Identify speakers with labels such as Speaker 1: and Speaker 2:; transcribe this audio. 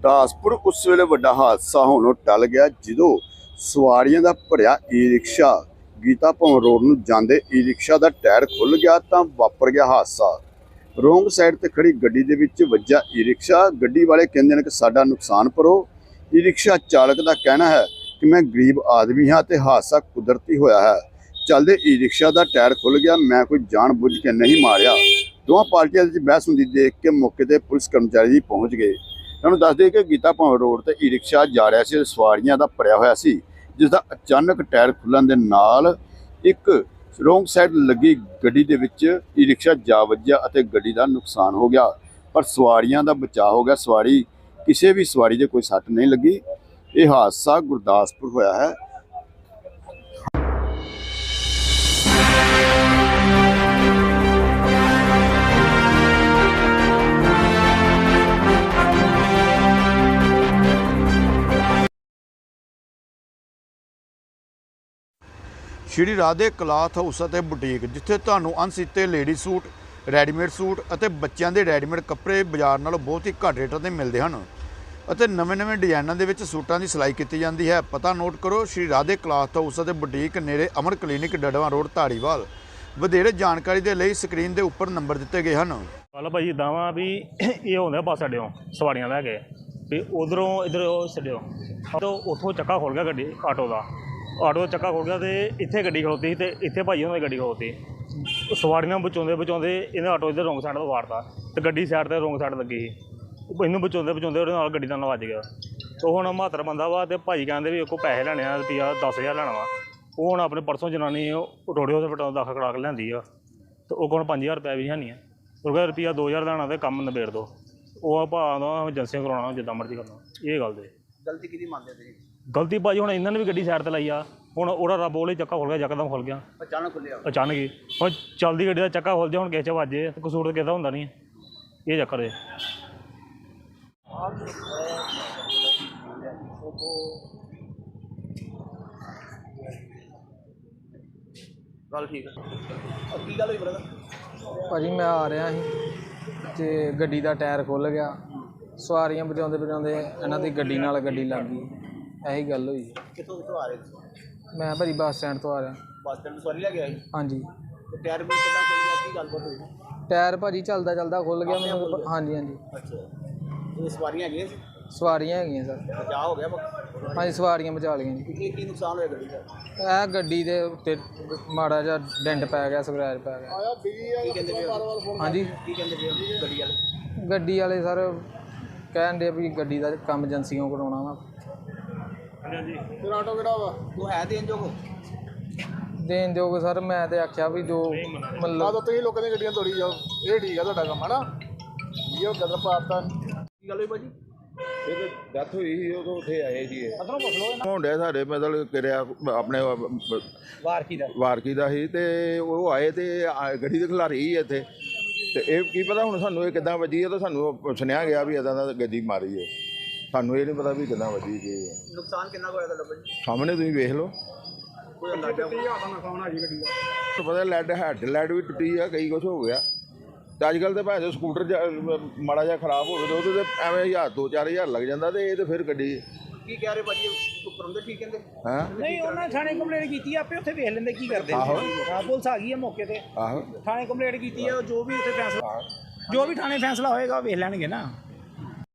Speaker 1: ਗੁਰਦਾਸपुਰ उस वेले वड्डा हादसा होनों टल गया ਜਦੋਂ ਸਵਾਰੀਆਂ ਦਾ ਭਰਿਆ ई-रिक्शा गीता भवन रोड ਨੂੰ ਜਾਂਦੇ ई-रिक्शा ਦਾ ਟਾਇਰ ਖੁੱਲ ਗਿਆ ਤਾਂ ਵਾਪਰ ਗਿਆ ਹਾਦਸਾ। ਰੋਂਗ ਸਾਈਡ ਤੇ ਖੜੀ ਗੱਡੀ ਦੇ ਵਿੱਚ ਵੱਜਾ ई-रिक्शा। ਗੱਡੀ ਵਾਲੇ ਕਹਿੰਦੇ ਨੇ ਕਿ ਸਾਡਾ ਨੁਕਸਾਨ ਭਰੋ। ई-रिक्शा ਚਾਲਕ ਦਾ ਕਹਿਣਾ ਹੈ ਕਿ ਮੈਂ ਗਰੀਬ ਆਦਮੀ ਹਾਂ ਤੇ ਹਾਦਸਾ ਕੁਦਰਤੀ ਹੋਇਆ ਹੈ। ਚੱਲਦੇ ई-रिक्शा ਦਾ ਟਾਇਰ ਖੁੱਲ ਗਿਆ, ਮੈਂ ਕੋਈ ਜਾਣ ਬੁੱਝ ਕੇ ਨਹੀਂ ਮਾਰਿਆ। ਦੋਵਾਂ ਪਾਰਟੀਆਂ ਵਿੱਚ ਬਹਿਸ ਹੁੰਦੀ ਦੇਖ ਕੇ ਮੌਕੇ ਤੇ ਪੁਲਿਸ ਕਰਮਚਾਰੀ ਪਹੁੰਚ ਗਏ। ਤੁਹਾਨੂੰ ਦੱਸ ਦਈਏ ਕਿ ਗੀਤਾ ਭवन रोड ਤੇ ई-रिक्शा जा ਰਿਹਾ ਸੀ, ਸਵਾਰੀਆਂ ਦਾ ਭਰਿਆ ਹੋਇਆ ਸੀ, ਜਿਸ ਦਾ ਅਚਾਨਕ ਟਾਇਰ ਖੁੱਲਣ ਦੇ ਨਾਲ ਇੱਕ ਰੋਂਗ ਸਾਈਡ ਲੱਗੀ ਗੱਡੀ ਦੇ ਵਿੱਚ ई-रिक्शा ਜਾ ਵੱਜਿਆ ਅਤੇ ਗੱਡੀ ਦਾ ਨੁਕਸਾਨ ਹੋ ਗਿਆ, ਪਰ ਸਵਾਰੀਆਂ ਦਾ ਬਚਾਅ ਹੋ ਗਿਆ। ਕਿਸੇ ਵੀ ਸਵਾਰੀ ਦੇ ਕੋਈ ਸੱਟ ਨਹੀਂ ਲੱਗੀ। ਇਹ ਹਾਦਸਾ ਗੁਰਦਾਸਪੁਰ ਹੋਇਆ ਹੈ। श्री राधे क्लॉथ हाउस ਅਤੇ बुटीक, जिथे ਤੁਹਾਨੂੰ unstitched lady suit, readymade suit ਅਤੇ ਬੱਚਿਆਂ ਦੇ ਰੈਡੀਮੇਡ ਕੱਪੜੇ ਬਾਜ਼ਾਰ ਨਾਲੋਂ ਬਹੁਤ ਹੀ ਘੱਟ ਰੇਟਾਂ ਤੇ ਮਿਲਦੇ ਹਨ ਅਤੇ ਨਵੇਂ-ਨਵੇਂ ਡਿਜ਼ਾਈਨਾਂ ਦੇ ਵਿੱਚ ਸੂਟਾਂ ਦੀ ਸਿਲਾਈ ਕੀਤੀ ਜਾਂਦੀ ਹੈ। ਪਤਾ ਨੋਟ ਕਰੋ, श्री राधे क्लॉथ हाउस ਅਤੇ बुटीक, ਨੇੜੇ ਅਮਰ ਕਲੀਨਿਕ, ਡੜਵਾ ਰੋਡ, ਧਾਰੀਵਾਲ। ਵਧੇਰੇ ਜਾਣਕਾਰੀ ਦੇ ਲਈ ਸਕਰੀਨ ਦੇ ਉੱਪਰ ਨੰਬਰ ਦਿੱਤੇ ਗਏ ਹਨ।
Speaker 2: ਕੱਲ੍ਹ ਭਾਜੀ ਇੱਦਾਂ ਵਾ ਵੀ ਇਹ ਹੁੰਦਾ ਬੱਸ ਅੱਡਿਓਂ ਸਵਾਰੀਆਂ ਲੈ ਕੇ ਵੀ ਉਧਰੋਂ ਇੱਧਰ ਛੱਡਿਓ ਤਾਂ ਉੱਥੋਂ ਚੱਕਾ ਖੋਲ ਗਿਆ ਗੱਡੀ ਆਟੋ ਦਾ ਚੱਕਾ ਖੋਲ ਗਿਆ ਅਤੇ ਇੱਥੇ ਗੱਡੀ ਖਲੋਤੀ ਸੀ ਅਤੇ ਇੱਥੇ ਭਾਜੀ ਉਹਨਾਂ ਦੀ ਗੱਡੀ ਖਲੋਤੀ। ਸਵਾਰੀਆਂ ਬਚਾਉਂਦੇ ਇਹਨੇ ਆਟੋ ਇੱਧਰ ਰੋਂਗ ਸਾਈਡ ਤੋਂ ਵਾਰਤਾ ਅਤੇ ਗੱਡੀ ਸਾਈਡ 'ਤੇ ਰੋਂਗ ਸਾਈਡ ਲੱਗੀ ਸੀ। ਇਹਨੂੰ ਬਚਾਉਂਦੇ ਉਹਦੇ ਨਾਲ ਗੱਡੀ ਨਾਲ ਵੱਜ ਗਿਆ। ਉਹ ਹੁਣ 72 ਬੰਦਾ ਵਾ ਅਤੇ ਭਾਜੀ ਕਹਿੰਦੇ ਵੀ ਉਹ ਪੈਸੇ ਲੈਣੇ ਆ, ਰੁਪਈਆ 10,000 ਲੈਣਾ ਵਾ। ਉਹ ਹੁਣ ਆਪਣੇ ਪਰਸੋਂ ਜਨਾਨੀ ਰੋੜੇ ਹਸਪਤਾਲ ਦਾਖਲ ਕਰਾ ਕੇ ਲਿਆਂਦੀ ਆ ਅਤੇ ਉਹ ਕੋਲ 5,000 ਰੁਪਇਆ ਵੀ ਹੈ ਨਹੀਂ ਆ। ਉਹ ਕਹਿੰਦਾ ਰੁਪਈਆ 2,000 ਲੈਣਾ ਅਤੇ ਕੰਮ ਨਿਬੇੜ ਦਿਓ। ਉਹ ਭਾਅ ਦਾ ਏਜੰਸੀਆਂ ਕਰਾਉਣਾ ਜਿੱਦਾਂ ਮਰਜ਼ੀ ਕਰਨਾ। ਇਹ ਗੱਲ ਦੇ
Speaker 3: ਗਲਤੀ ਕਿਹਦੀ ਮੰਨਦੇ ਤੁਸੀਂ?
Speaker 2: ਗਲਤੀ ਭਾਜੀ ਹੁਣ ਇਹਨਾਂ ਨੇ ਵੀ ਗੱਡੀ ਸਾਈਡ 'ਤੇ ਲਾਈ ਆ। ਹੁਣ ਉਹਦਾ ਰੱਬ ਉਹਲੇ ਚੱਕਾ ਖੁੱਲ ਗਿਆ, ਯਕਦਮ ਖੁੱਲ ਗਿਆ,
Speaker 3: ਅਚਾਨਕ ਖੁੱਲਿਆ
Speaker 2: ਅਚਾਨਕ ਹੀ। ਹੁਣ ਚੱਲਦੀ ਗੱਡੀ ਦਾ ਚੱਕਾ ਖੁੱਲ ਜਾ, ਹੁਣ ਕਿਸੇ 'ਚ ਵੱਜੇ ਤਾਂ ਕਸੂਰ ਤਾਂ ਕਿਸੇ ਦਾ ਹੁੰਦਾ ਨਹੀਂ। ਇਹ ਚੱਕਰ ਹੈ।
Speaker 3: ਗੱਲ ਠੀਕ ਹੈ। ਕੀ ਗੱਲ ਹੋਈ ਬ੍ਰਦਰ?
Speaker 4: ਭਾਜੀ ਮੈਂ ਆ ਰਿਹਾ ਸੀ ਅਤੇ ਗੱਡੀ ਦਾ ਟਾਇਰ ਖੁੱਲ੍ਹ ਗਿਆ। ਸਵਾਰੀਆਂ ਬਚਾਉਂਦੇ ਇਹਨਾਂ ਦੀ ਗੱਡੀ ਨਾਲ ਗੱਡੀ ਲੱਗ ਗਈ। ਇਹੀ ਗੱਲ ਹੋਈ।
Speaker 3: ਕਿੱਥੋਂ ਆ ਰਹੇ ਤੁਸੀਂ?
Speaker 4: ਮੈਂ ਭਾਜੀ ਬੱਸ ਸਟੈਂਡ ਤੋਂ ਆ ਰਿਹਾ।
Speaker 3: ਬੱਸ ਸਟੈਂਡ ਤੋਂ ਸਵਾਰੀ ਲੈ ਕੇ ਆਏ?
Speaker 4: ਹਾਂਜੀ।
Speaker 3: ਤੇ ਟਾਇਰ ਵੀ ਕਿੱਦਾਂ ਖੁੱਲ ਗਿਆ? ਕੀ ਗੱਲਬਾਤ ਹੋਈ?
Speaker 4: ਟਾਇਰ ਭਾਜੀ ਚੱਲਦਾ ਖੁੱਲ੍ਹ ਗਿਆ ਮੈਨੂੰ। ਹਾਂਜੀ।
Speaker 3: ਅੱਛਾ, ਇਹ ਸਵਾਰੀਆਂ ਹੈਗੀਆਂ ਸੀ?
Speaker 4: ਸਵਾਰੀਆਂ ਹੈਗੀਆਂ ਸਰ।
Speaker 3: ਬਚਾਅ ਹੋ ਗਿਆ?
Speaker 4: ਹਾਂਜੀ, ਸਵਾਰੀਆਂ ਬਚਾ ਲਈਆਂ ਜੀ।
Speaker 3: ਕੀ ਨੁਕਸਾਨ ਹੋਇਆ ਗੱਡੀ ਦਾ?
Speaker 4: ਇਹ ਗੱਡੀ ਦੇ ਉੱਤੇ ਮਾੜਾ ਜਿਹਾ ਡੈਂਟ ਪੈ ਗਿਆ, ਸਕ੍ਰੈਚ ਪੈ ਗਿਆ।
Speaker 3: ਕੀ ਕਹਿੰਦੇ ਪਏ?
Speaker 4: ਹਾਂਜੀ,
Speaker 3: ਕੀ ਕਹਿੰਦੇ ਪਏ ਗੱਡੀ ਵਾਲੇ?
Speaker 4: ਗੱਡੀ ਵਾਲੇ ਸਰ ਕਹਿਣ ਦੇ ਵੀ ਗੱਡੀ ਦਾ ਕੰਮ ਏਜੰਸੀਆਂ ਕਰਾਉਣਾ ਵਾ।
Speaker 2: ਹਾਂਜੀ।
Speaker 3: ਫਿਰ ਆਟੋ ਕਿਹੜਾ ਵਾ? ਤੂੰ ਹੈ ਦੇਣ ਜੋਗ?
Speaker 4: ਦੇਣ ਦਿਓਗੇ ਸਰ। ਮੈਂ ਤਾਂ ਆਖਿਆ ਵੀ ਜੋ ਮਤਲਬ
Speaker 3: ਤੁਸੀਂ ਲੋਕਾਂ ਦੀਆਂ ਗੱਡੀਆਂ ਤੋੜੀ ਜਾਓ, ਇਹ ਠੀਕ ਆ ਤੁਹਾਡਾ ਕੰਮ ਹੈ ਨਾ। ਇਹ ਗਦਰ ਪਾਤਾ। ਕੀ ਗੱਲ ਹੋਈ ਭਾਜੀ?
Speaker 5: ਇਹ ਡੈਥ ਹੋਈ ਸੀ, ਉਦੋਂ ਉੱਥੇ ਆਏ ਜੀ।
Speaker 3: ਅਸਲੋਂ ਪੁੱਛ ਲਓ।
Speaker 5: ਮੁੰਡੇ ਸਾਡੇ ਮਤਲਬ ਕਿਰਿਆ ਆਪਣੇ ਵਾਰਕੀ ਦਾ ਸੀ ਅਤੇ ਉਹ ਆਏ ਅਤੇ ਗੱਡੀ ਦੇ ਖਿਲਾਰੀ ਸੀ ਇੱਥੇ। ਅਤੇ ਇਹ ਕੀ ਪਤਾ ਹੁਣ ਸਾਨੂੰ ਇਹ ਕਿੱਦਾਂ ਵੱਜੀ ਹੈ, ਤਾਂ ਸਾਨੂੰ ਸੁਣਿਆ ਗਿਆ ਵੀ ਇੱਦਾਂ ਦਾ ਗੱਡੀ ਮਾਰੀ ਹੈ। ਸਾਨੂੰ ਇਹ ਨਹੀਂ ਪਤਾ ਵੀ ਕਿੱਦਾਂ ਵੱਜੀ ਕੀ ਹੈ।
Speaker 3: ਨੁਕਸਾਨ ਕਿੰਨਾ ਕੁ ਹੋਇਆ ਤੁਹਾਡਾ ਭਾਜੀ?
Speaker 5: ਸਾਹਮਣੇ ਤੁਸੀਂ ਵੇਖ ਲਓ।
Speaker 3: ਕੋਈ ਅੰਦਾਜ਼ਾ? ਨੁਕਸਾਨ ਆ ਜੀ ਗੱਡੀ ਦਾ।
Speaker 5: ਤੁਹਾਨੂੰ ਪਤਾ ਹੈਡ ਵੀ ਟੁੱਟੀ ਆ, ਕਈ ਕੁਛ ਹੋ ਗਿਆ। ਅਤੇ ਅੱਜ ਕੱਲ੍ਹ ਤਾਂ ਭਾਵੇਂ ਸਕੂਟਰ ਮਾੜਾ ਜਿਹਾ ਖਰਾਬ ਹੋਵੇ ਤਾਂ ਉਹਦੇ 'ਤੇ ਐਵੇਂ 1000 2-4 ਲੱਗ ਜਾਂਦਾ, ਅਤੇ ਇਹ ਤਾਂ ਫਿਰ ਗੱਡੀ।
Speaker 3: ਕੀ ਕਹਿ ਰਹੇ ਭਾਜੀ? ਉੱਪਰ ਹੁੰਦੇ ਠੀਕ ਕਹਿੰਦੇ?
Speaker 5: ਹਾਂ
Speaker 6: ਨਹੀਂ, ਉਹਨਾਂ ਥਾਣੇ ਕੰਪਲੇਂਟ ਕੀਤੀ ਆ, ਆਪੇ ਉੱਥੇ ਵੇਖ ਲੈਂਦੇ ਕੀ ਕਰਦੇ।
Speaker 5: ਆਹੋ।
Speaker 6: ਪੁਲਿਸ ਆ ਗਈ ਆ ਮੌਕੇ ਤੇ।
Speaker 5: ਆਹੋ।
Speaker 6: ਥਾਣੇ ਕੰਪਲੇਂਟ ਕੀਤੀ ਆ, ਜੋ ਵੀ ਉੱਥੇ ਫੈਸਲਾ, ਜੋ ਵੀ ਥਾਣੇ ਫੈਸਲਾ ਹੋਏਗਾ ਉਹ ਵੇਖ ਲੈਣਗੇ ਨਾ।